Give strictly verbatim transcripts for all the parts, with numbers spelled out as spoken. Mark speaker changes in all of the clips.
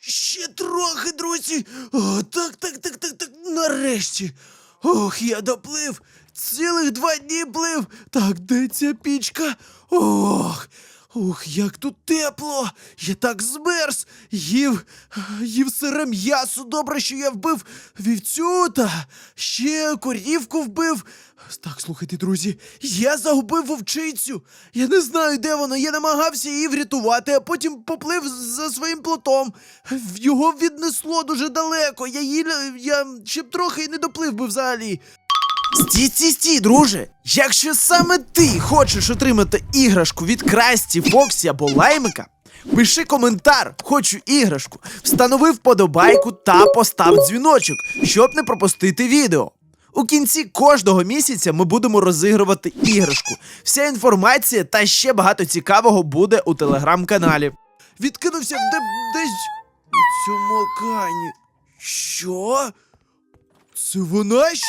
Speaker 1: Ще трохи, друзі. О, так, так, так, так, так, нарешті. Ох, я доплив. Цілих два дні плив. Так, де ця пічка? Ох, ох, як тут тепло. Я так змерз. Їв, їв сире м'ясо. Добре, що я вбив вівцю та ще корівку вбив. Так, слухайте, друзі, я загубив вовчицю. Я не знаю, де вона. Я намагався її врятувати, а потім поплив за своїм плотом. Його віднесло дуже далеко. Я її, я ще б трохи і не доплив би взагалі. Стій, стій, стій, друже! Якщо саме ти хочеш отримати іграшку від Красті, Фоксі або Лаймика, пиши коментар «Хочу іграшку», встанови вподобайку та постав дзвіночок, щоб не пропустити відео. У кінці кожного місяця ми будемо розігрувати іграшку. Вся інформація та ще багато цікавого буде у телеграм-каналі. Відкинувся де, десь у цьому океані. Що? Це вона ж?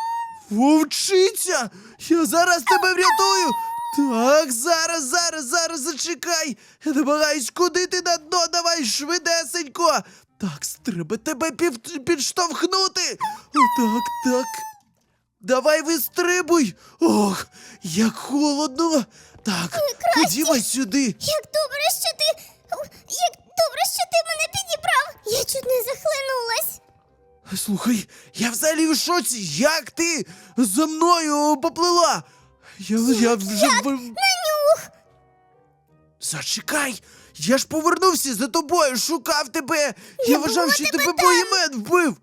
Speaker 1: Вовчиця! Я зараз тебе врятую! Так, зараз, зараз, зараз зачекай! Я намагаюсь, куди ти на дно, давай швидесенько! Так, треба тебе пів... підштовхнути! Так, так. Давай вистрибуй! Ох, як холодно! Так, ходімо сюди!
Speaker 2: Як добре, що ти. Як добре, що ти мене підібрав! Я чуть не захлинулась!
Speaker 1: Слухай, я взагалі в шоці! Як ти за мною поплила? Я, я вже...
Speaker 2: Як? На нюх!
Speaker 1: Зачекай! Я ж повернувся за тобою, шукав тебе! Я,
Speaker 2: Не
Speaker 1: вважав,
Speaker 2: було
Speaker 1: що
Speaker 2: тебе
Speaker 1: тебе
Speaker 2: там.
Speaker 1: боємет вбив!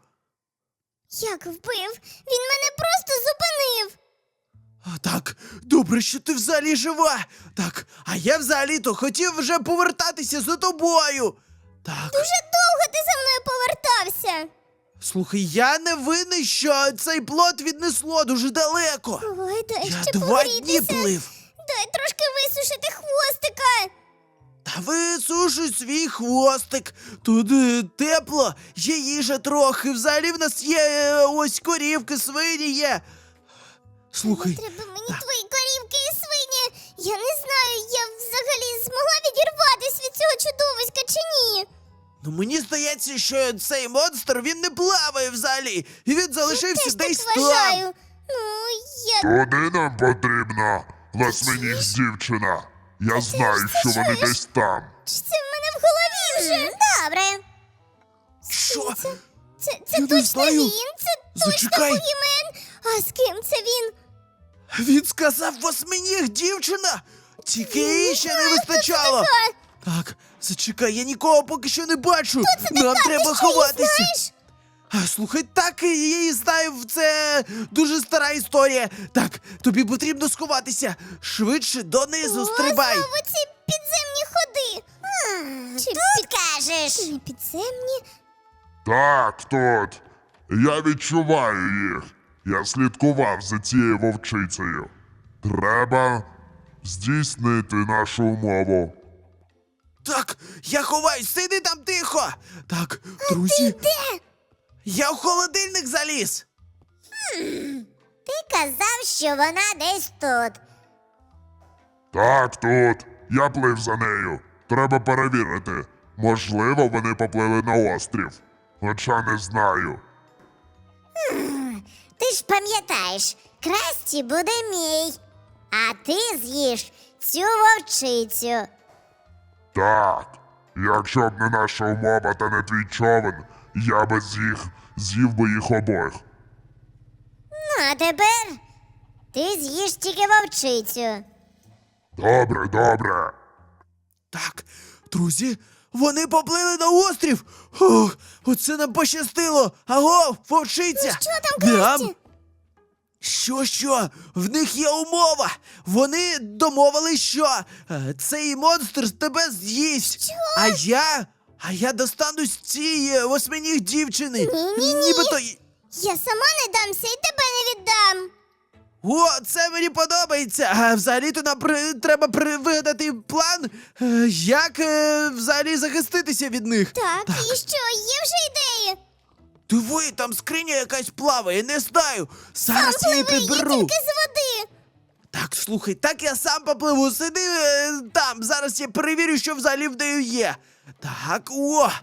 Speaker 2: Як вбив? Він мене просто зупинив!
Speaker 1: А, так, добре, що ти взагалі жива! Так, а я взагалі-то хотів вже повертатися за тобою! Так,
Speaker 2: Дуже довго ти за мною повертався!
Speaker 1: слухай, я не винний, що цей плот віднесло дуже далеко!
Speaker 2: Ой, дай
Speaker 1: Я
Speaker 2: ще
Speaker 1: два дні
Speaker 2: погрітися!
Speaker 1: плив!
Speaker 2: Дай трошки висушити хвостика!
Speaker 1: Та висушуй свій хвостик. Тут е, тепло, є їжа трохи. Взагалі в нас є е, ось корівки, свині є. Слухай,
Speaker 2: Треба мені
Speaker 1: так.
Speaker 2: твої корівки і свині! Я не знаю, я взагалі змогла відірватися від цього чудовиська чи ні!
Speaker 1: ну мені здається, що цей монстр, він не плаває взагалі. І він залишився
Speaker 2: Теж
Speaker 1: десь
Speaker 2: так
Speaker 1: там.
Speaker 2: вважаю! Ну, я...
Speaker 3: Туди нам потрібна восьминіг дівчина. Я знаю,
Speaker 2: це
Speaker 3: що вони
Speaker 2: чуєш?
Speaker 3: десь там.
Speaker 2: Чи це в мене в голові вже? Добре.
Speaker 1: Що?
Speaker 2: Це, це,
Speaker 1: Я
Speaker 2: це
Speaker 1: не
Speaker 2: точно
Speaker 1: знаю.
Speaker 2: він? Це точно
Speaker 1: Зачекай.
Speaker 2: Бугімен? А з ким це він?
Speaker 1: Він сказав восьминіг дівчина. Тільки її ще не вистачало.
Speaker 2: Така.
Speaker 1: Так, зачекай, я нікого поки що не бачу. Нам
Speaker 2: Така,
Speaker 1: треба
Speaker 2: ти що, її
Speaker 1: ховатися.
Speaker 2: знаєш?
Speaker 1: А, слухай, так, я її знаю, це дуже стара історія. Так, тобі потрібно сховатися. Швидше донизу стрибай.
Speaker 2: О, знову ці підземні ходи. Чи тут кажеш? Не підземні?
Speaker 3: Так, тут. Я відчуваю їх. Я слідкував за цією вовчицею. Треба здійснити нашу умову.
Speaker 1: Так, я ховаюсь, сиди там тихо. Так, друзі,
Speaker 2: Де?
Speaker 1: я в холодильник заліз.
Speaker 2: Ти казав, що вона десь тут.
Speaker 3: Так, тут. Я плив за нею. Треба перевірити. Можливо, вони поплили на острів. Хоча не знаю.
Speaker 2: Ти ж пам'ятаєш, Красті буде мій, а ти з'їш цю вовчицю.
Speaker 3: Так. Якщо б не наша умова та не твій човен, я би з'їх, з'їв би їх обох.
Speaker 2: Ну, а тепер ти з'їш тільки вовчицю.
Speaker 3: Добре, добре.
Speaker 1: Так, друзі, вони поплили на острів. Ох, оце нам пощастило. Аго, вовчиця.
Speaker 2: Ну, що там, Красті?
Speaker 1: Що, що? В них є умова. Вони домовились, що е, цей монстр тебе з'їсть.
Speaker 2: Що?
Speaker 1: А я, а я достанусь цієї восьминіг дівчини.
Speaker 2: Ні-ні-ні.
Speaker 1: Нібито... й-
Speaker 2: Я сама не дамся і тебе не віддам.
Speaker 1: О, це мені подобається. А взагалі-то нам при... треба при... вигадати план, е, як е, взагалі захиститися від них.
Speaker 2: Так, і що, є вже ідеї?
Speaker 1: Диви, там скриня якась плаває, не знаю. Зараз я її
Speaker 2: Пливи, я
Speaker 1: приберу.
Speaker 2: тільки з води.
Speaker 1: Так, слухай, так я сам попливу. Сиди е, там. Зараз я перевірю, що взагалі в нею є. Так, о!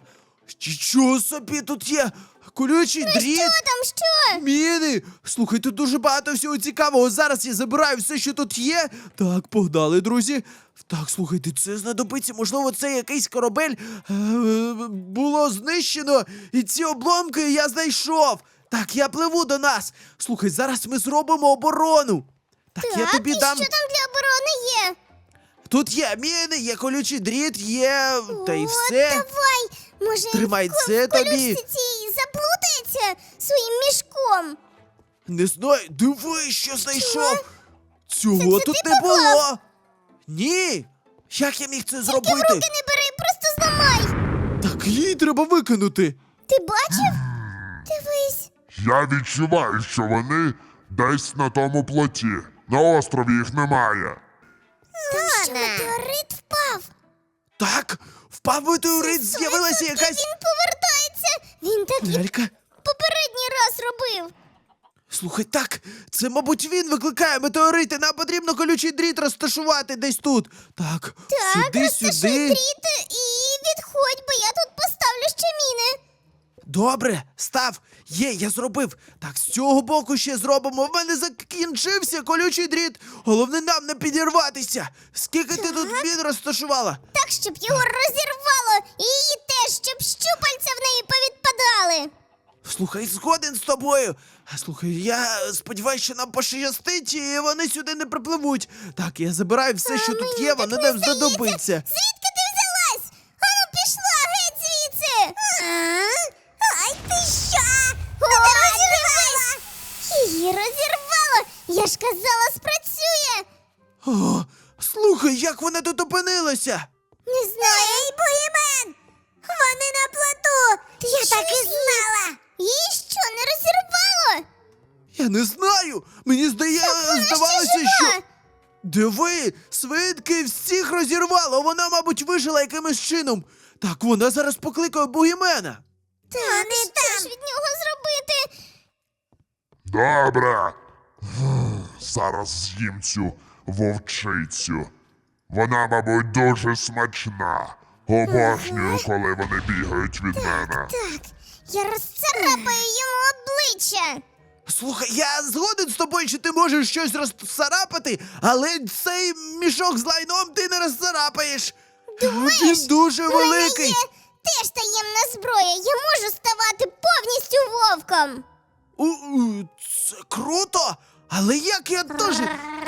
Speaker 1: Що собі тут є? Колючий дріт,
Speaker 2: Що там, що?
Speaker 1: міни. Слухай, тут дуже багато всього цікавого. Зараз я забираю все, що тут є. Так, погнали, друзі. Так, слухайте, це знадобиться. Можливо, це якийсь корабель е, було знищено, і ці обломки я знайшов. Так, я пливу до нас. Слухай, зараз ми зробимо оборону. Так, я тобі
Speaker 2: і
Speaker 1: дам.
Speaker 2: що там для оборони є?
Speaker 1: Тут є міни, є колючий дріт, є. Та й
Speaker 2: О,
Speaker 1: все.
Speaker 2: давай! Може,
Speaker 1: Тримай
Speaker 2: в ко-
Speaker 1: це
Speaker 2: в колючці
Speaker 1: тобі.
Speaker 2: цій заплутається своїм мішком.
Speaker 1: Не знаю, диви, що знайшов. Цього
Speaker 2: Це
Speaker 1: тут
Speaker 2: ти
Speaker 1: не
Speaker 2: поклав?
Speaker 1: було. Ні. Як я міг це
Speaker 2: Тільки в
Speaker 1: зробити?
Speaker 2: руки не бери, просто зламай.
Speaker 1: Так її треба викинути.
Speaker 2: Ти бачив? Дивись.
Speaker 3: Я відчуваю, що вони десь на тому плоті. На острові їх немає.
Speaker 2: Там що, метеорит впав?
Speaker 1: Так, впав метеорит, з'явилася
Speaker 2: Сто відсотків
Speaker 1: якась
Speaker 2: Він повертається. Він так і
Speaker 1: лялька.
Speaker 2: попередній раз робив.
Speaker 1: Слухай, так, це, мабуть, він викликає метеорити. Нам потрібно колючий дріт розташувати десь тут. Так,
Speaker 2: Так,
Speaker 1: сюди,
Speaker 2: розташуй
Speaker 1: сюди.
Speaker 2: дріт і відходь, бо я тут поставлю ще міни.
Speaker 1: Добре, став. Є, я зробив. Так, з цього боку ще зробимо. В мене закінчився колючий дріт. Головне нам не підірватися. Скільки ти тут він розташувала?
Speaker 2: Так, щоб його розірвало, і її теж, щоб щупальця в неї повідпадали.
Speaker 1: Слухай, згоден з тобою. Слухай, я сподіваюся, що нам пощастить, і вони сюди не припливуть. Так, я забираю все, що тут
Speaker 2: Мені
Speaker 1: є,
Speaker 2: так
Speaker 1: воно
Speaker 2: не
Speaker 1: нам
Speaker 2: здається.
Speaker 1: знадобиться.
Speaker 2: Звідки ти взялась? Ану, пішла геть звідси. Ай, ти що? О, розірвала. Її розірвало. Я ж казала, спрацює.
Speaker 1: О, слухай, як вона тут опинилася?
Speaker 2: Не знаю. Ей, бугімен! Вони на плоту! Я так і знала! Її що, не розірвало?
Speaker 1: Я не знаю. Мені здає...
Speaker 2: Вона ще
Speaker 1: здавалося,
Speaker 2: жива!
Speaker 1: що. Диви, свинки всіх розірвало. Вона, мабуть, вижила якимось чином. Так, вона зараз покликає бугімена.
Speaker 2: Та не що ж від нього зробити?
Speaker 3: Добре. Зараз з'їм цю вовчицю. Вона, мабуть, дуже смачна. Обожнюю, коли вони бігають від мене.
Speaker 2: Так, я розцарапаю йому обличчя.
Speaker 1: Слухай, я згоден з тобою, що ти можеш щось розцарапати, але цей мішок з лайном ти не розцарапаєш.
Speaker 2: Думаєш?
Speaker 1: Він дуже
Speaker 2: У мене
Speaker 1: великий.
Speaker 2: є теж таємна зброя. Я можу ставати повністю вовком.
Speaker 1: У, у, це круто, але як я теж.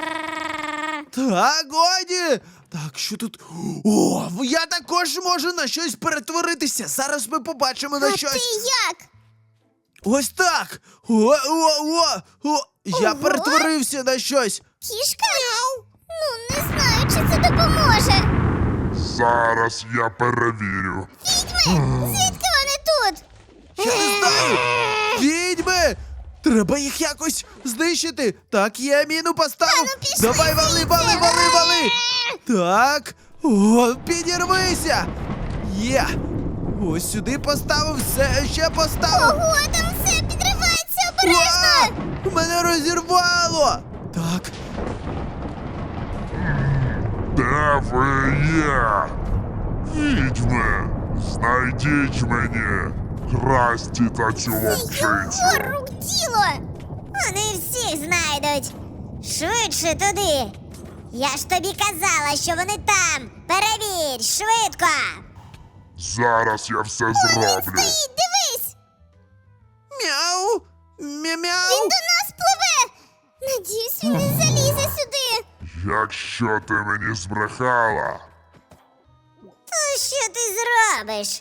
Speaker 1: Так, годі. Так, що тут? О, я також можу на щось перетворитися. Зараз ми побачимо на
Speaker 2: А
Speaker 1: щось.
Speaker 2: ти як?
Speaker 1: Ось так. О, о, о, о. Я
Speaker 2: Ого.
Speaker 1: перетворився на щось.
Speaker 2: Кішка? Ну, не знаю, чи це допоможе.
Speaker 3: Зараз я перевірю.
Speaker 2: Відьми! Звідки вони тут?
Speaker 1: Я не знаю. Відьми! Треба їх якось знищити. Так, я міну поставив.
Speaker 2: Та ну пішли
Speaker 1: Давай, вали,
Speaker 2: звідси.
Speaker 1: вали, вали, вали. Так. О, підірвися. Є. Ось сюди поставив, все ще поставив.
Speaker 2: Ого, там все підривається обережно!
Speaker 1: А! Мене розірвало. Так.
Speaker 3: Де ви є? Відьми, знайдіть мені Красті та цю вовчицю.
Speaker 2: Його рук діло! Вони всіх знайдуть. Швидше туди. Я ж тобі казала, що вони там. Перевір, швидко.
Speaker 3: Зараз я все
Speaker 2: Він
Speaker 3: зроблю.
Speaker 2: стоїть, дивись!
Speaker 1: Мяу.
Speaker 2: Він
Speaker 1: Мя-мяу.
Speaker 2: до нас пливе! Надіюсь, він не залізе сюди.
Speaker 3: Якщо ти мені збрехала,
Speaker 2: То що ти зробиш?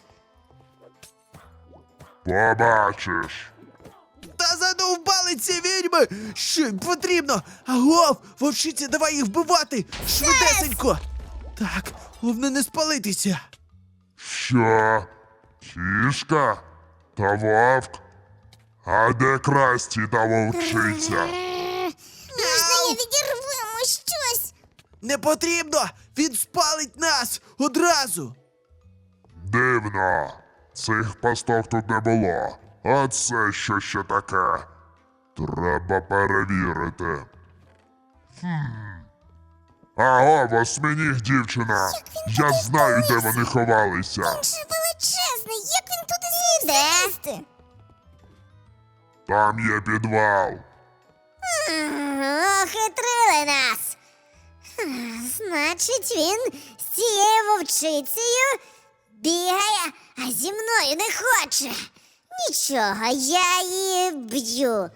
Speaker 3: побачиш.
Speaker 1: Та задовбали ці відьми! Що їм потрібно? Агов! Вовчиці, давай їх вбивати! Швидесенько! Так, головне не спалитися.
Speaker 3: Що? Кішка? Та вовк? А де Красті та вовчиця?
Speaker 2: Можна я відірвемо щось?
Speaker 1: Не потрібно! Він спалить нас одразу!
Speaker 3: Дивно. Цих пасток тут не було. А це що ще таке? Треба перевірити. Хм. Аго, восьминіг дівчина. Я знаю, де вони ховалися.
Speaker 2: Він же величезний. знає, як він туди зміг залізти?
Speaker 3: Там є підвал.
Speaker 2: Охитрили нас. Значить, він з цією вовчицею бігає, а зі мною не хоче. Нічого, я її б'ю.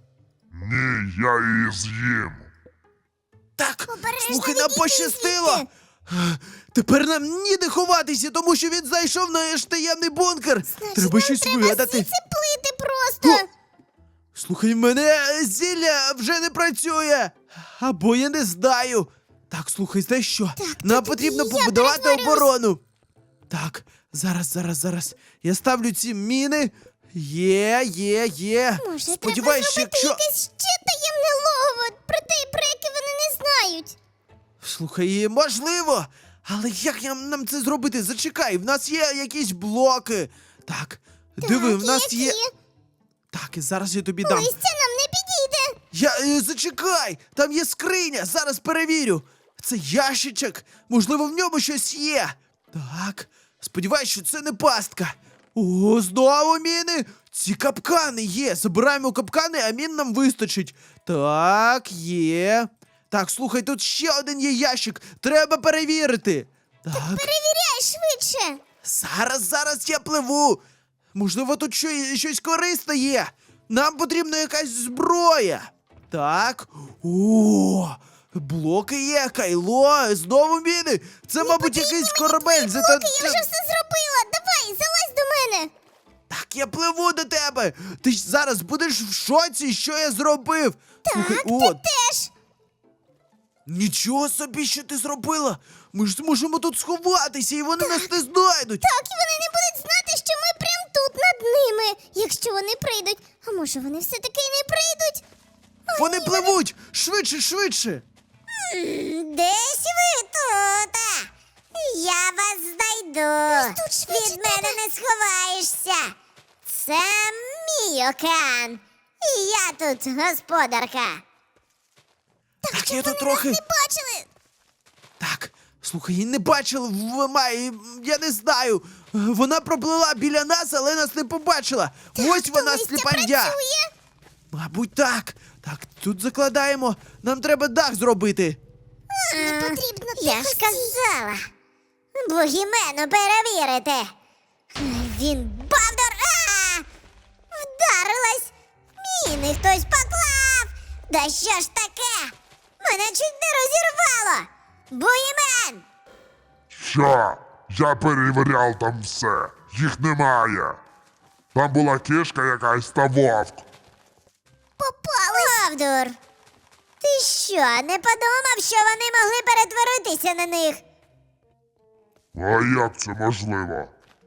Speaker 3: Ні, я її з'їм.
Speaker 1: Так,
Speaker 2: Обережно
Speaker 1: слухай, нам
Speaker 2: відійди
Speaker 1: пощастило.
Speaker 2: звідти.
Speaker 1: Е, Тепер нам ніде ховатися, тому що він зайшов в наш таємний бункер.
Speaker 2: Значить,
Speaker 1: Треба
Speaker 2: нам
Speaker 1: щось
Speaker 2: треба
Speaker 1: вигадати.
Speaker 2: звідси плити просто.
Speaker 1: О! Слухай, мене зілля вже не працює. Або я не знаю. Так, слухай, знаєш що? Нам
Speaker 2: тоді
Speaker 1: потрібно
Speaker 2: я
Speaker 1: побудувати
Speaker 2: перетворюсь.
Speaker 1: оборону. Так, зараз, зараз, зараз. Я ставлю ці міни. Є, є, є.
Speaker 2: Може,
Speaker 1: Сподіваюсь,
Speaker 2: треба зробити
Speaker 1: якщо.
Speaker 2: якесь ще таємне логово про те, про яке вони не знають.
Speaker 1: Слухай, можливо. Але як нам, нам це зробити? Зачекай, в нас є якісь блоки. Так, диви, в нас є.
Speaker 2: які?
Speaker 1: Так, і зараз я тобі дам.
Speaker 2: Листя нам не підійде.
Speaker 1: Я е, зачекай! Там є скриня, зараз перевірю. Це ящичок. Можливо, в ньому щось є. Так, сподіваюсь, що це не пастка. О, знову міни! Ці капкани є. Забираємо капкани, а мін нам вистачить. Так, є. Так, слухай, тут ще один є ящик. Треба перевірити. Так,
Speaker 2: Перевіряй швидше.
Speaker 1: зараз, зараз я пливу. Можливо, тут що, щось корисне є. Нам потрібна якась зброя. Так. О, блоки є, кайло, знову міни. Це, мабуть, якийсь корабель. За та-
Speaker 2: Блоки, я вже все зробила. Давай, залазь до мене.
Speaker 1: Так, я пливу до тебе. Ти ж зараз будеш в шоці, що я зробив. Слухай,
Speaker 2: Так,
Speaker 1: о,
Speaker 2: ти теж.
Speaker 1: нічого собі, що ти зробила. Ми ж зможемо тут сховатися, і вони нас не знайдуть.
Speaker 2: Так, і вони не будуть знати, що ми прям тут над ними, якщо вони прийдуть. А може вони все-таки й не прийдуть? О,
Speaker 1: Вони
Speaker 2: ні,
Speaker 1: пливуть! Швидше, швидше!
Speaker 2: Десь ви тут. Я вас знайду. тут швидше Від мене не сховаєшся. Це мій океан. І я тут господарка.
Speaker 1: Так, я тут
Speaker 2: Вони
Speaker 1: трохи.
Speaker 2: нас не бачили.
Speaker 1: Так, слухай, її не бачили в має, я не знаю. Вона проплила біля нас, але нас не побачила. Ось
Speaker 2: То
Speaker 1: вона
Speaker 2: листя
Speaker 1: сліпандя.
Speaker 2: працює.
Speaker 1: Мабуть, так. Так, тут закладаємо. Нам треба дах зробити.
Speaker 2: Не потрібно. Я ж казала. Бугімену перевірити. Він бавдор. А! Вдарилась. Міни хтось поклав. Да що ж таке? Мене чуть не розірвало. Бугімен!
Speaker 3: Що? Я перевіряв там все. Їх немає. Там була кішка якась та вовк.
Speaker 2: Попали. Бавдур. Ти що, не подумав, що вони могли перетворитися на них?
Speaker 3: А як це можливо?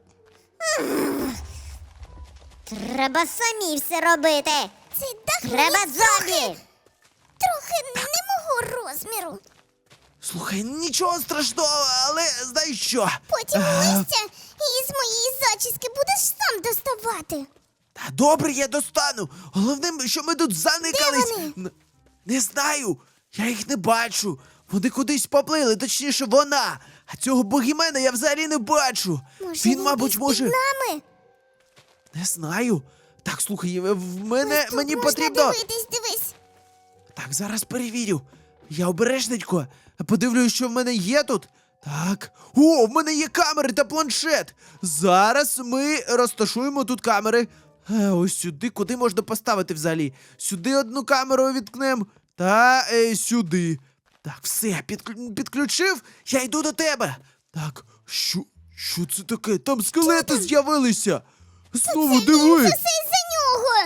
Speaker 2: Треба самі все робити. Цей дах треба зомбі. Трохи не мого розміру.
Speaker 1: Слухай, нічого страшного, але знаєш що?
Speaker 2: Потім
Speaker 1: Е,
Speaker 2: листя із моєї зачіски будеш сам доставати.
Speaker 1: Та добре, я достану. Головне, що ми тут заникались.
Speaker 2: Де вони?
Speaker 1: Н- Не знаю. Я їх не бачу. Вони кудись поплили, точніше, вона. А цього богімена я взагалі не бачу.
Speaker 2: Може,
Speaker 1: він, мабуть,
Speaker 2: десь
Speaker 1: може.
Speaker 2: під нами?
Speaker 1: Не знаю. Так, слухай, в мене
Speaker 2: Ось тут
Speaker 1: мені
Speaker 2: можна
Speaker 1: потрібно.
Speaker 2: дивитись, дивись.
Speaker 1: Так, зараз перевірю. Я обережненько. Подивлюсь, що в мене є тут. Так. О, в мене є камери та планшет. Зараз ми розташуємо тут камери. Е, ось сюди, куди можна поставити взагалі. Сюди одну камеру відкнем. Та е, сюди. Так, все, підклю- підключив. Я йду до тебе. Так, що, що це таке? Там скелети з'явилися. Знову диви.
Speaker 2: Це все із-за нього.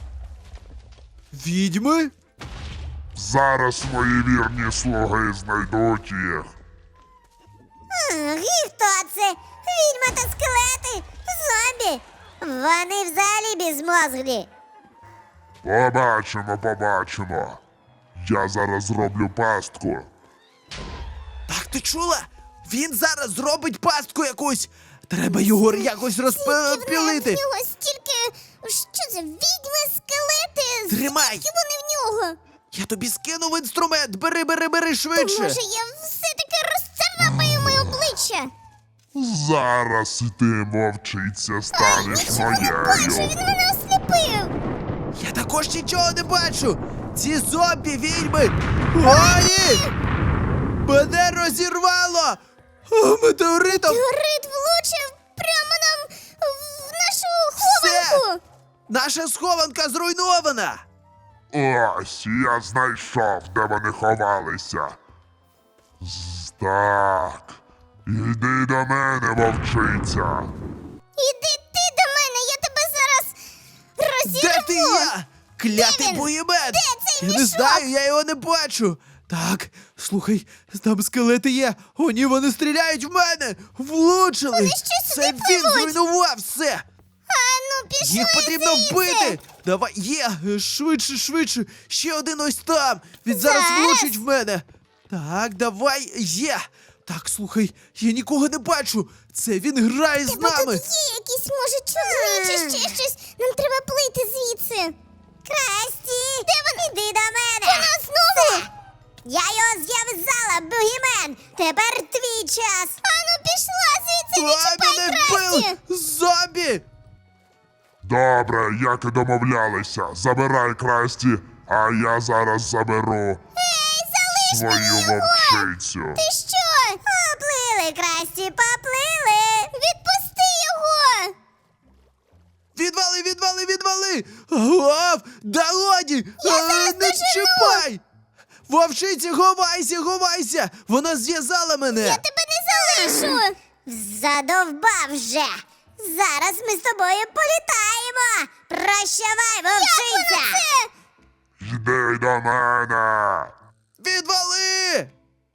Speaker 3: Зараз
Speaker 1: Відьми?
Speaker 3: мої вірні слуги знайдуть їх.
Speaker 2: Ах, і хто це? Відьма та скелети? Зомбі? Вони взагалі безмозглі.
Speaker 3: Побачимо, побачимо. Я зараз зроблю пастку.
Speaker 1: Так, ти чула? Він зараз зробить пастку якусь. Треба його якось розпілити.
Speaker 2: В нього стільки. Що це? Відьми, скелети?
Speaker 1: Тримай.
Speaker 2: Звідки вони в нього?
Speaker 1: Я тобі скинув інструмент. Бери, бери, бери
Speaker 2: То
Speaker 1: швидше.
Speaker 2: може я все-таки розцарапаю моє обличчя?
Speaker 3: Зараз ти, вовчиця, станеш
Speaker 2: Нічого не бачу, він
Speaker 3: моєю.
Speaker 2: мене осліпив.
Speaker 1: Я також нічого не бачу! Ці зомбі відьми! О, ні! Мене розірвало! О, метеоритом!
Speaker 2: Горит влучив прямо нам в нашу
Speaker 1: Все!
Speaker 2: хованку.
Speaker 1: Наша схованка зруйнована!
Speaker 3: Ось, я знайшов, де вони ховалися. З- Так. Іди до мене, вовчиця.
Speaker 2: Іди ти до мене, я тебе зараз розірву.
Speaker 1: Де ти є? Клятий
Speaker 2: Де він?
Speaker 1: боємет!
Speaker 2: Де цей
Speaker 1: Я не
Speaker 2: мішок?
Speaker 1: знаю, я його не бачу. Так, слухай, там скелети є. О, ні, вони стріляють в мене! Влучили!
Speaker 2: Вони що,
Speaker 1: Це
Speaker 2: сюди
Speaker 1: він
Speaker 2: пливуть?
Speaker 1: зруйнував все!
Speaker 2: А ну пішли
Speaker 1: Їх потрібно
Speaker 2: звідси.
Speaker 1: вбити! Давай, є! Швидше, швидше! Ще один ось там! Він зараз
Speaker 2: Зараз.
Speaker 1: влучить в мене! Так, давай, є! Так, слухай, я нікого не бачу! Це він грає з
Speaker 2: Тебе
Speaker 1: нами!
Speaker 2: тут є якісь, може, човни чи ще щось. Нам треба плити звідси. Красті! Де вони? Іди до мене! Вона знову! Я його зв'язала, бугімен! Тепер твій час! Ану, пішла звідси, не
Speaker 1: А,
Speaker 2: чіпай
Speaker 1: мене
Speaker 2: Красті!
Speaker 1: вбив! Зомбі!
Speaker 3: Добре, як і домовлялися. Забирай Красті, а я зараз заберу
Speaker 2: Ей, залиш
Speaker 3: свою
Speaker 2: мені його!
Speaker 3: вовчицю.
Speaker 2: Ти що? Поплили, Красті, поплили! Відпусти його!
Speaker 1: Відвали, відвали, відвали! Гов! Да годі!
Speaker 2: Я
Speaker 1: А,
Speaker 2: зараз
Speaker 1: не
Speaker 2: дожену!
Speaker 1: чіпай! Вовчиці, ховайся, ховайся! Вона зв'язала мене!
Speaker 2: Я тебе не залишу! Задовбав вже! Зараз ми з тобою політаємо! Прощавай, вовчиця!
Speaker 3: Йди до мене.
Speaker 1: Відвали!